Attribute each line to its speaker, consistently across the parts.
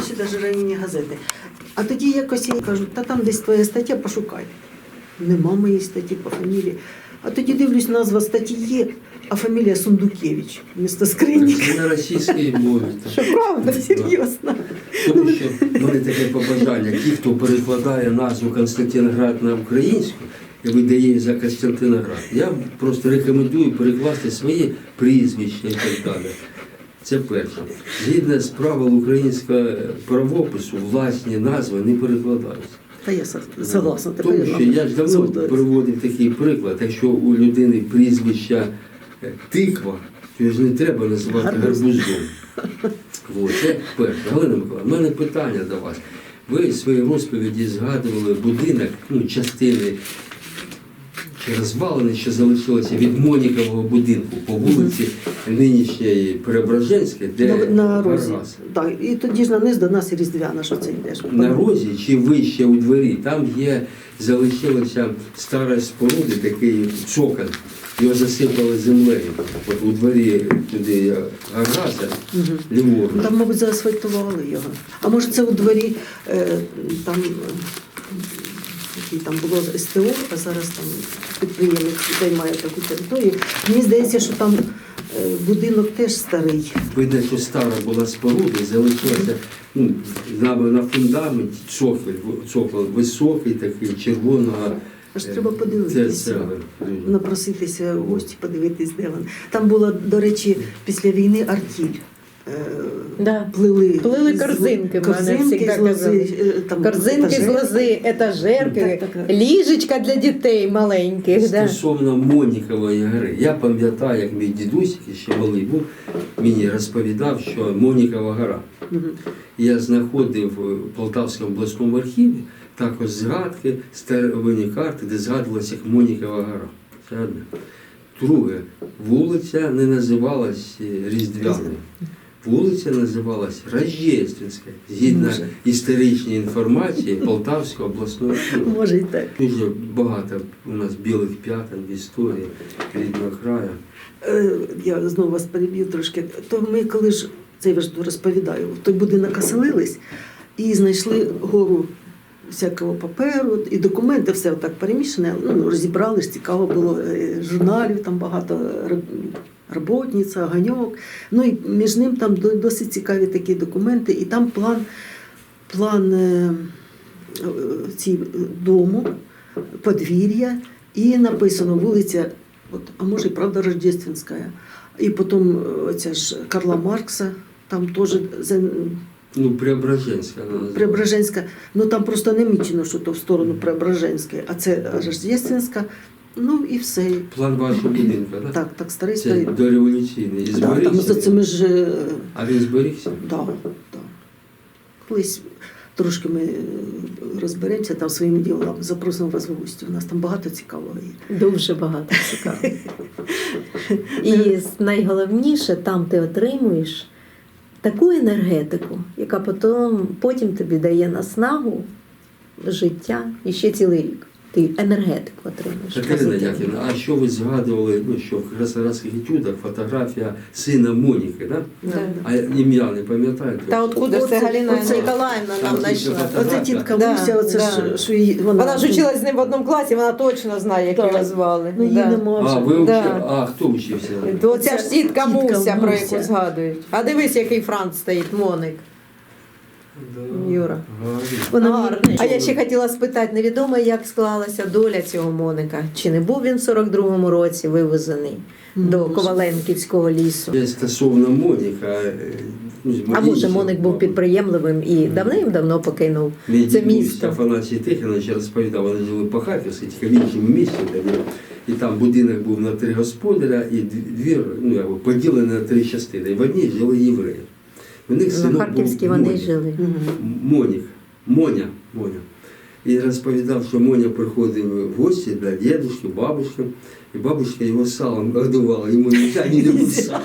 Speaker 1: ще навіть районні газети. А тоді якось я кажу, та там десь твоя стаття, пошукай. Нема моєї статті по фамілії. А тоді дивлюсь, назва статті є, а фамілія Сундукевич, місто Скринник.
Speaker 2: Це на російській мові.
Speaker 1: Що правда, серйозно.
Speaker 2: Тому що в мене таке побажання. Ті, хто перекладає назву Константиноград на українську і видає її за Костянтиноград, я просто рекомендую перекласти свої прізвища і так далі. Це перше. Згідно з правил українського правопису, власні назви не перекладаються.
Speaker 1: Та я согласна.
Speaker 2: Тому що я ж давно приводив такий приклад, якщо у людини прізвища тиква, то його ж не треба називати гарбузом. Це перше. Галина Миколаївна, в мене питання до вас. Ви в своїй розповіді згадували будинок, частини чи розвалини, що залишилося від Монікового будинку по вулиці нинішньої Преображенській, де
Speaker 1: на розі.
Speaker 2: Гараз.
Speaker 1: Так, і тоді ж на низ до нас і Різдвяна, що це йдеш.
Speaker 2: На розі чи вище у дворі, там залишилася стара споруда, такий цоколь, його засипали землею. От у дворі туди Гараза, ліворуч.
Speaker 1: Там, мабуть, заасфальтували його. А може це у дворі там, там було СТО, а зараз там підприємець займає таку територію. Мені здається, що там будинок теж старий.
Speaker 2: Видно, що стара була споруда, і залишилася на фундаменті цоколь високий, такий, червоного.
Speaker 1: Аж треба подивитися, напроситися в гості, подивитись, де він. Там була, до речі, після війни артіль. Плили
Speaker 3: корзинки,
Speaker 1: корзинки з лози.
Speaker 3: Корзинки з лози, етажерки, ліжечка для дітей маленьких.
Speaker 2: Стосовно Монікової гори. Я пам'ятаю, як мій дідусь, який ще малий був, мені розповідав, що Монікова гора. Я знаходив в Полтавському обласному архіві також згадки, старовинні карти, де згадувалася як Монікова гора. Це одне. Друге, вулиця не називалась Різдвяною. Вулиця називалась Рождественська, згідно історичної інформації Полтавського обласного архіву.
Speaker 1: Може і так.
Speaker 2: Дуже багато у нас білих п'ятен в історії рідного краю.
Speaker 1: Я знову вас переб'ю трошки. То ми коли ж, це я ж розповідаю, в той будинок оселились і знайшли гору всякого паперу і документи, все так перемішане, розібрали ж, цікаво було, журналів там багато, роботниця, Оганьок. І між ним там досить цікаві такі документи, і там план дому, подвір'я, і написано вулиця, а може і правда Рождественська, і потім оця ж Карла Маркса, там теж
Speaker 2: Преображенська.
Speaker 1: Преображенська. Там просто не мічено, що то в сторону Преображенської, а це Рождественська. І все.
Speaker 2: План вашого будинку, так?
Speaker 1: Так, старий.
Speaker 2: Це дореволюційний. І зберігся?
Speaker 1: Там за цими ж...
Speaker 2: А він зберігся?
Speaker 1: Так. Колись трошки ми розберемося там своїми ділами, запросимо вас в гості. У нас там багато цікавого є.
Speaker 3: Дуже багато цікавого. І найголовніше, там ти отримуєш таку енергетику, яка потім тобі дає наснагу, життя і ще цілий рік. Ти енергетику отримуєш.
Speaker 2: Катерина Яківна, а що ви згадували, що в красорадських етюдах фотографія сина Моніки, так? А ім'я не пам'ятаєте?
Speaker 3: Та откуда це Галина Ніколаївна нам знайшла?
Speaker 1: Оце тітка Муся, оце що її...
Speaker 3: Вона ж училась з ним в одному класі, вона точно знає, як його звали.
Speaker 1: Її нема вже.
Speaker 2: А, ви вчили? А, хто вчився?
Speaker 3: Оця ж тітка Муся, про яку згадують. А дивись, який Франц стоїть, Моник. Юра. Гарний. А я ще хотіла спитати, невідомо, як склалася доля цього Моника. Чи не був він в 42-му році вивезений до Коваленківського лісу?
Speaker 2: Стосовно Моніка...
Speaker 3: А може Моник був підприємливим і давним-давно покинув це місто?
Speaker 2: Афанасій Тихонович розповідав, вони жили по Харківській, тільки в іншому місці. І там будинок був на 3 господаря, і двір поділений на 3 частини. І в одній жили євреї.
Speaker 3: На Харківській вони жили.
Speaker 2: Моня. І розповідав, що Моня приходив в гості до дідушки, бабушки, і бабушка його салом годувала, йому не любив сало.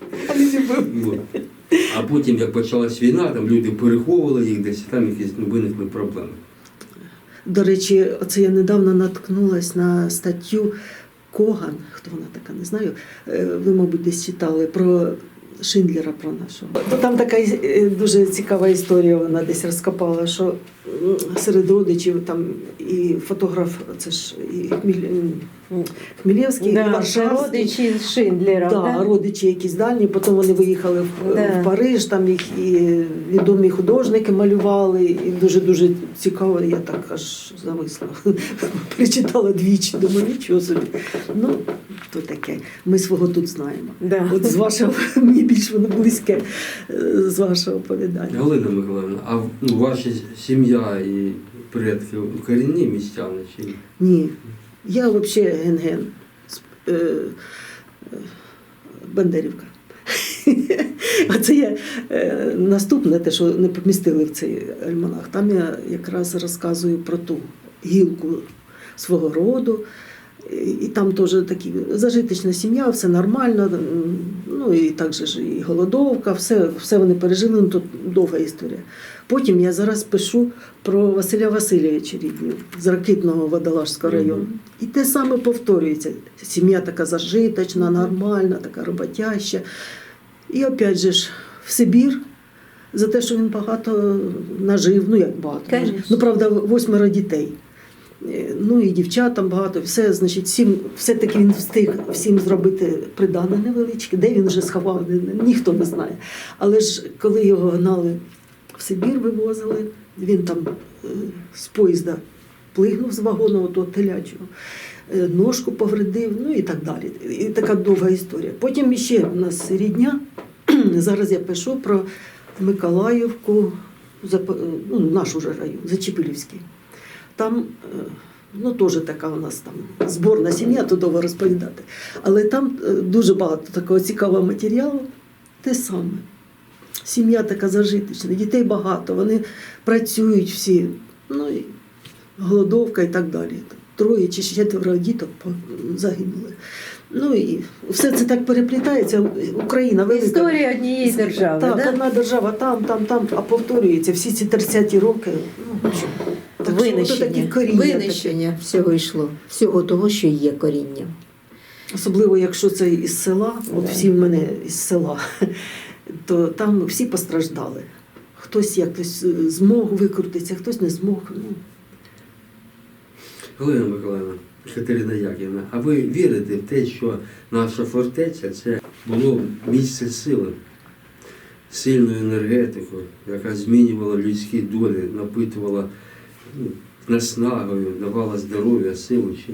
Speaker 2: А потім, як почалась війна, там люди переховували їх десь, там якісь виникли проблеми.
Speaker 1: До речі, оце я недавно наткнулась на статтю Коган, хто вона така, не знаю, ви, мабуть, десь читали, про Шиндлера про нашого. То там така дуже цікава історія, вона десь розкопала, що серед родичів там і фотограф, це ж і Хмілєвський, і
Speaker 3: Да, це
Speaker 1: Варшавський.
Speaker 3: родичі Шиндлера.
Speaker 1: Да, родичі якісь дальні, потім вони виїхали
Speaker 3: Да.
Speaker 1: в Париж, там їх і відомі художники малювали, і дуже-дуже цікаво, я так аж зависла. Прочитала двічі, думаю, нічого собі. Ну, то таке. Ми свого тут знаємо.
Speaker 3: Да.
Speaker 1: От з вашого, мені більш воно близьке, з вашого оповідання.
Speaker 2: Галина Миколаївна, а ваша сім'я і предки корінні містяни чи ні?
Speaker 1: Ні. Я взагалі ген-ген. Бандерівка. А це я наступне, те, що не помістили в цей альманах. Там я якраз розказую про ту гілку свого роду. І там теж такі зажиточна сім'я, все нормально. Ну і так же ж і голодовка, все вони пережили, ну тут довга історія. Потім я зараз пишу про Василя Васильовича Рідню з Ракитного Водолажського району. І те саме повторюється. Сім'я така зажиточна, нормальна, така роботяща. І опять же ж в Сибір за те, що він багато нажив, ну як багато.
Speaker 3: Конечно.
Speaker 1: Ну, правда, 8 дітей. Ну і дівчатам багато, все, значить, все-таки він встиг всім зробити придане невеличке. Де він вже сховав, ніхто не знає. Але ж коли його гнали в Сибір, вивозили, він там з поїзда плигнув з вагону того телячого, ножку повредив, ну і так далі. І така довга історія. Потім ще в нас рідня, зараз я пишу про Миколаївку, ну, наш уже район, Зачепилівський. Там, ну, теж така у нас там зборна сім'я, то довго розповідати. Але там дуже багато такого цікавого матеріалу. Те саме. Сім'я така зажиточна, дітей багато, вони працюють всі, ну, і голодовка і так далі. 3 чи 4 діток загинули. Ну і все це так переплітається. Україна велика.
Speaker 3: Історія однієї держави.
Speaker 1: Так,
Speaker 3: да?
Speaker 1: одна держава там, а повторюється всі ці 30-ті роки. Ну, що? Так що ото такі коріння
Speaker 3: Винищення всього йшло. Всього того, що є корінням.
Speaker 1: таке. Особливо, якщо це із села, от всі в мене із села, то там всі постраждали. Хтось якось змог викрутитися, хтось не змог. Ну.
Speaker 2: Галина Миколаївна, Катерина Яківна, а ви вірите в те, що наша фортеця це було місце сили, сильною енергетикою, яка змінювала людські долі, напитувала наснагою, давала здоров'я, силу чи ні?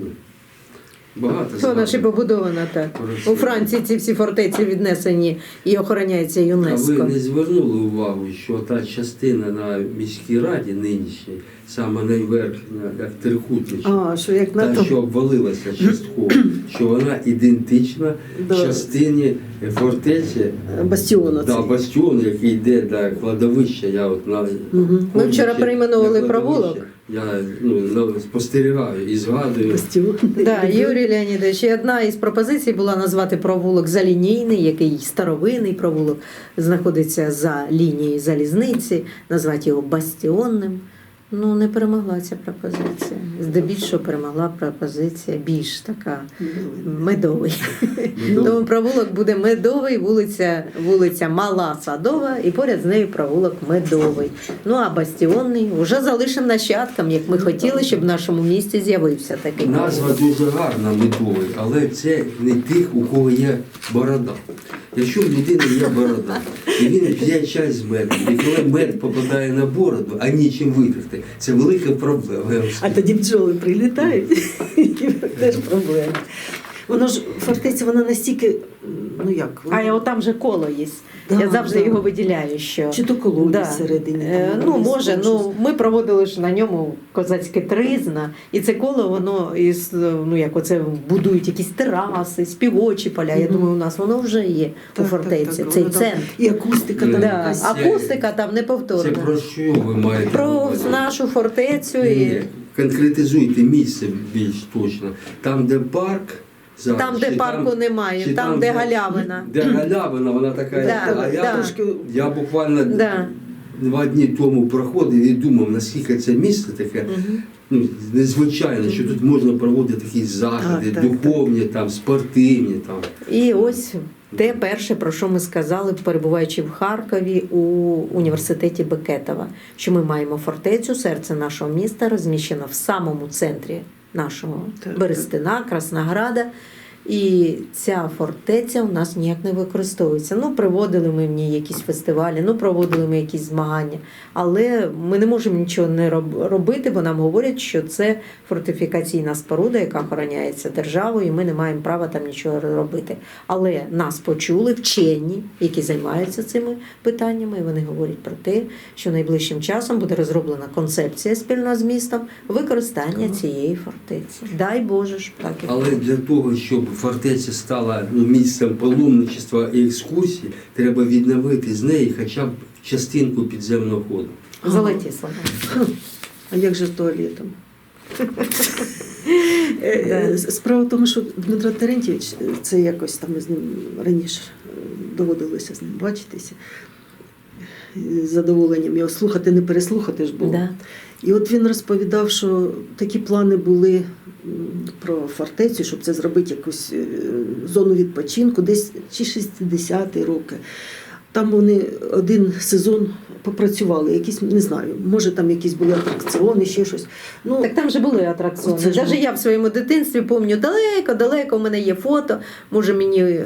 Speaker 2: Багато
Speaker 3: Вона ж і
Speaker 2: згадок
Speaker 3: побудована так.
Speaker 2: про Росію.
Speaker 3: У Франції ці всі фортеці віднесені і охороняються
Speaker 2: А ви
Speaker 3: ЮНЕСКО.
Speaker 2: не звернули увагу, що та частина на міській раді нинішній, саме найверхня, як трикутнична,
Speaker 1: А, що як на
Speaker 2: та,
Speaker 1: то.
Speaker 2: що обвалилася частково, що вона ідентична
Speaker 1: Да.
Speaker 2: частині фортеці,
Speaker 1: Бастіону.
Speaker 2: да,
Speaker 1: цей.
Speaker 2: бастіону, який йде до кладовища. Я от на
Speaker 1: Мгм.
Speaker 3: Ми вчора перейменовували
Speaker 2: на
Speaker 3: провулок.
Speaker 2: кладовище. Я спостерігаю і згадую.
Speaker 1: Бастіон.
Speaker 3: Да, Юрій Леонідович, і одна із пропозицій була назвати провулок залінійний, який старовинний провулок, знаходиться за лінією залізниці, назвати його бастіонним. Ну, не перемогла ця пропозиція. Здебільшого перемогла пропозиція більш така медовий. Тому провулок буде Медовий, вулиця Мала Садова, і поряд з нею провулок Медовий. Ну а бастіонний вже залишимо нащадкам, як ми хотіли, щоб в нашому місті з'явився такий
Speaker 2: Назва
Speaker 3: провулок.
Speaker 2: дуже гарна, медовий, але це не тих, у кого є борода. Якщо в людини є борода, і він п'є чай з медом, і коли мед попадає на бороду, а нічим витерти, це велика проблема.
Speaker 1: А тоді бджоли прилітають, і теж проблема. Воно ж, фортеця, вона настільки, ну як,
Speaker 3: А от там же коло є.
Speaker 1: Да,
Speaker 3: Я завжди
Speaker 1: да.
Speaker 3: його виділяю, що
Speaker 1: Чи то колодязь
Speaker 3: Да.
Speaker 1: всередині.
Speaker 3: Ну, може, ну ми проводили ж на ньому козацьке тризна, і це коло воно із, ну як оце будують якісь тераси, співочі поля. Я
Speaker 1: Мгм.
Speaker 3: думаю, у нас воно вже є у фортеці, цей
Speaker 1: воно там
Speaker 3: центр.
Speaker 1: І акустика там
Speaker 3: Да.
Speaker 1: якась.
Speaker 3: Акустика там
Speaker 2: Це
Speaker 3: неповторна.
Speaker 2: про що ви маєте? на
Speaker 3: Про
Speaker 2: увазі?
Speaker 3: нашу фортецю
Speaker 2: Ні,
Speaker 3: і
Speaker 2: конкретизуйте місце більш точно. Там, де парк, зараз,
Speaker 3: там, де
Speaker 2: чи
Speaker 3: парку немає,
Speaker 2: чи
Speaker 3: там, де галявина.
Speaker 2: Де галявина, вона така.
Speaker 3: Да,
Speaker 2: а я,
Speaker 3: да.
Speaker 1: Трошки
Speaker 2: я буквально
Speaker 3: Да.
Speaker 2: 2 дні тому проходив і думав, наскільки це місце таке незвичайне, що тут можна проводити такі заходи,
Speaker 1: Так,
Speaker 2: духовні, там, спортивні. Там.
Speaker 3: І ось те перше, про що ми сказали, перебуваючи в Харкові у університеті Бекетова, що ми маємо фортецю, серце нашого міста, розміщено в самому центрі нашого
Speaker 1: Так,
Speaker 3: Берестина, Краснограда. І ця фортеця у нас ніяк не використовується. Ну, приводили ми в ній якісь фестивалі, ну, проводили ми якісь змагання. Але ми не можемо нічого не робити, бо нам говорять, що це фортифікаційна споруда, яка охороняється державою, і ми не маємо права там нічого робити. Але нас почули вчені, які займаються цими питаннями, і вони говорять про те, що найближчим часом буде розроблена концепція спільно з містом використання цієї фортеці. Дай Боже ж так.
Speaker 2: Але для того, щоб фортеця стала місцем паломничества і екскурсій, треба відновити з неї хоча б частинку підземного ходу.
Speaker 3: Золоті слова.
Speaker 1: А як же з туалетом? Справа в тому, що Дмитро Терентьєвич, це якось там ми з ним раніше доводилося з ним бачитися. З задоволенням його слухати, не переслухати ж було.
Speaker 3: Да.
Speaker 1: І от він розповідав, що такі плани були про фортецю, щоб це зробити якусь зону відпочинку, десь чи 60-ті роки. Там вони один сезон попрацювали, якісь, не знаю, може там якісь були атракціони, ще щось. Ну,
Speaker 3: Так там же були атракціони.
Speaker 1: Оце ж
Speaker 3: Навіть я в своєму дитинстві пам'ятаю, далеко, у мене є фото. Може мені,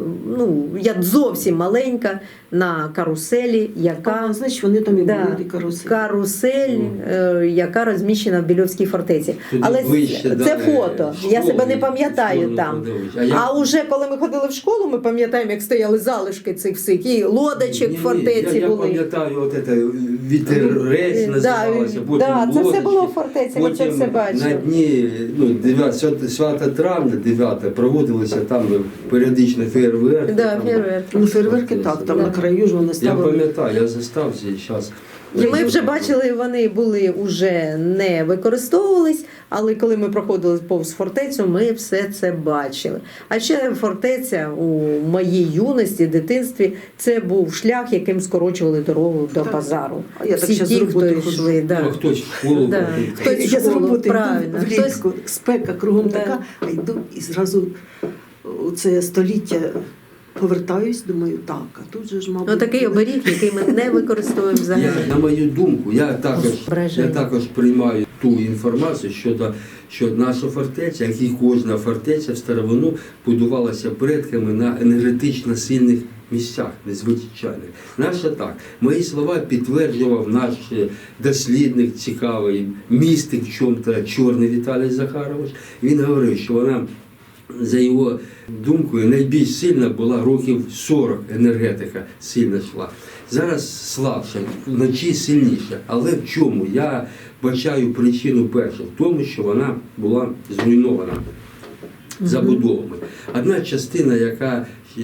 Speaker 3: я зовсім маленька на каруселі, яка
Speaker 1: значить, вони там і
Speaker 3: Да.
Speaker 1: були каруселі.
Speaker 3: карусель, яка розміщена в Більовській фортеці.
Speaker 2: Туди
Speaker 3: Але
Speaker 2: вище,
Speaker 3: це фото. Я себе не
Speaker 2: школи,
Speaker 3: пам'ятаю
Speaker 2: сторону
Speaker 3: там.
Speaker 2: подивись.
Speaker 3: А уже коли ми ходили в школу, ми пам'ятаємо, як стояли залишки цих всих, і лодочок в фортеці
Speaker 2: я
Speaker 3: були.
Speaker 2: пам'ятаю, от це вітерець називалося, потім
Speaker 3: це все
Speaker 2: лодочки.
Speaker 3: було в фортеці, ми це
Speaker 2: Потім
Speaker 3: все бачили.
Speaker 2: на дні 9 травня, 9 проводилися там періодично фейерверки.
Speaker 3: Да,
Speaker 2: там,
Speaker 3: фейерверки.
Speaker 1: Ну, фейерверки так, там
Speaker 3: Да.
Speaker 1: на краю ж вони
Speaker 2: Я
Speaker 1: ставили.
Speaker 2: пам'ятаю, я застав цей час.
Speaker 3: І ми вже бачили, вони були вже не використовувались, але коли ми проходили повз фортецю, ми все це бачили. А ще фортеця у моїй юності, дитинстві, це був шлях, яким скорочували дорогу до
Speaker 1: Так.
Speaker 3: базару.
Speaker 1: А я так
Speaker 3: Всі
Speaker 1: щас
Speaker 3: ті,
Speaker 1: з роботи
Speaker 3: хто
Speaker 1: ходжу.
Speaker 3: йшли.
Speaker 2: Ну,
Speaker 3: Да.
Speaker 2: хтось в школу
Speaker 3: Да.
Speaker 2: ходив.
Speaker 3: Хтось в
Speaker 1: Я з
Speaker 3: школу,
Speaker 1: роботи
Speaker 3: правильно.
Speaker 1: йду влітку, спека кругом
Speaker 3: Да.
Speaker 1: така, а йду і зразу у це століття повертаюсь, думаю, так, а тут же ж, мабуть...
Speaker 3: Ну, такий оберіг, який ми не використовуємо взагалі.
Speaker 2: На мою думку, я
Speaker 3: Враження.
Speaker 2: також приймаю ту інформацію, що наша фортеця, як і кожна фортеця в старовину, будувалася предками на енергетично сильних місцях, незвичайних. Наша так. Мої слова підтверджував наш дослідник цікавий, містик в чому-то, Чорний Віталій Захарович. Він говорив, що вона, за його думкою, найбільш сильна була років 40 енергетика сильно йшла. Зараз слабше, вночі сильніше. Але в чому? Я бачаю причину першу, в тому, що вона була зруйнована забудовами. Одна частина, яка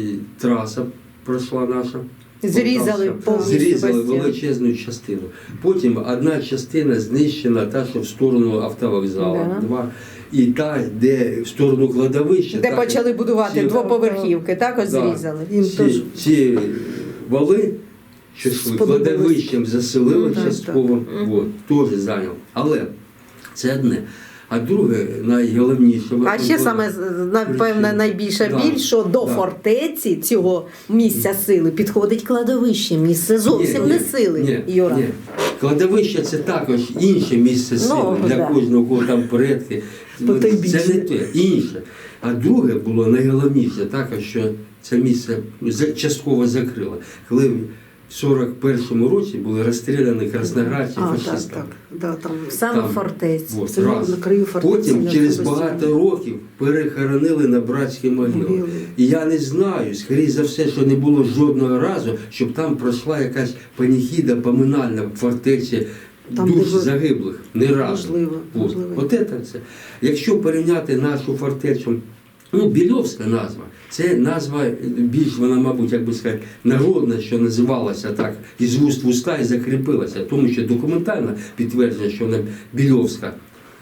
Speaker 2: траса пройшла наша,
Speaker 3: Зрізали повністю
Speaker 2: зрізали
Speaker 3: бастіон.
Speaker 2: величезну частину. Потім одна частина знищена, та, що в сторону автовокзалу.
Speaker 3: Да.
Speaker 2: Два. І та, де в сторону кладовища.
Speaker 3: Де
Speaker 2: так,
Speaker 3: почали будувати
Speaker 2: ці-
Speaker 3: двоповерхівки, також
Speaker 2: Да.
Speaker 3: зрізали.
Speaker 1: Їм теж.
Speaker 2: ці вали, що йшли
Speaker 1: Сподобалось.
Speaker 2: кладовищем заселили
Speaker 1: Ну, так,
Speaker 2: частково,
Speaker 3: так.
Speaker 2: от, теж зайняв. Але це одне. А друге, найголовніше...
Speaker 3: А ще саме, напевно, найбільша
Speaker 2: Да.
Speaker 3: біль, що до
Speaker 2: Да.
Speaker 3: фортеці цього місця сили підходить кладовище, місце зовсім не сили, Юра.
Speaker 2: Ні. Кладовище – це також інше місце сили для
Speaker 3: да.
Speaker 2: кожного, кого там предки.
Speaker 1: Бо то й
Speaker 2: Це
Speaker 1: більше.
Speaker 2: не те, інше. А друге було найголовніше, також, що це місце частково закрило. Коли в 41-му році були розстріляні красноградці
Speaker 1: Так,
Speaker 2: фашистами.
Speaker 1: так. Да, там,
Speaker 3: Саме
Speaker 2: Там.
Speaker 3: фортеці.
Speaker 2: От,
Speaker 1: Це
Speaker 2: раз.
Speaker 1: на краю фортеці.
Speaker 2: Потім
Speaker 1: на
Speaker 2: через
Speaker 1: цьому
Speaker 2: багато
Speaker 1: бастіоні.
Speaker 2: років перехоронили на братські могили.
Speaker 1: Могили.
Speaker 2: І я не знаю, скоріше за все, що не було жодного разу, щоб там пройшла якась паніхіда поминальна в фортеці
Speaker 1: Там,
Speaker 2: душ
Speaker 1: де ви-
Speaker 2: загиблих. Не разу.
Speaker 1: Можливо,
Speaker 2: От.
Speaker 1: можливо.
Speaker 2: От це. Якщо порівняти нашу фортецю, Більовська назва, це назва більш, вона, мабуть, як би сказати, народна, що називалася так, із вуст в уста і закріпилася, тому що документально підтвердження, що вона Більовська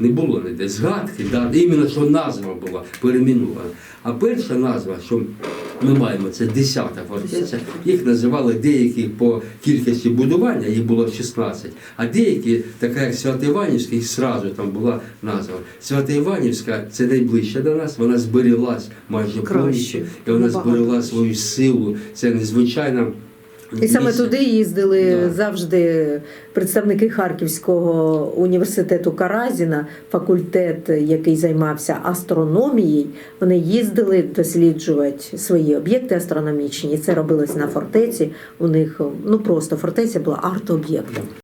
Speaker 2: Не було ніде згадки, да, іменно що назва була перейменована. А перша назва, що ми маємо, це 10-та фортеця. Їх називали деякі по кількості будування, їх було 16. А деякі, така як Свято-Іванівська, їх зразу там була назва. Свято-Іванівська це найближче до нас, вона збереглась майже повністю, і вона зберегла свою силу. Це незвичайно.
Speaker 3: І саме
Speaker 2: місце.
Speaker 3: туди їздили
Speaker 2: Да.
Speaker 3: завжди представники Харківського університету Каразіна, факультет, який займався астрономією. Вони їздили досліджувати свої об'єкти астрономічні. І це робилось на фортеці. У них просто фортеця була арт-об'єктом.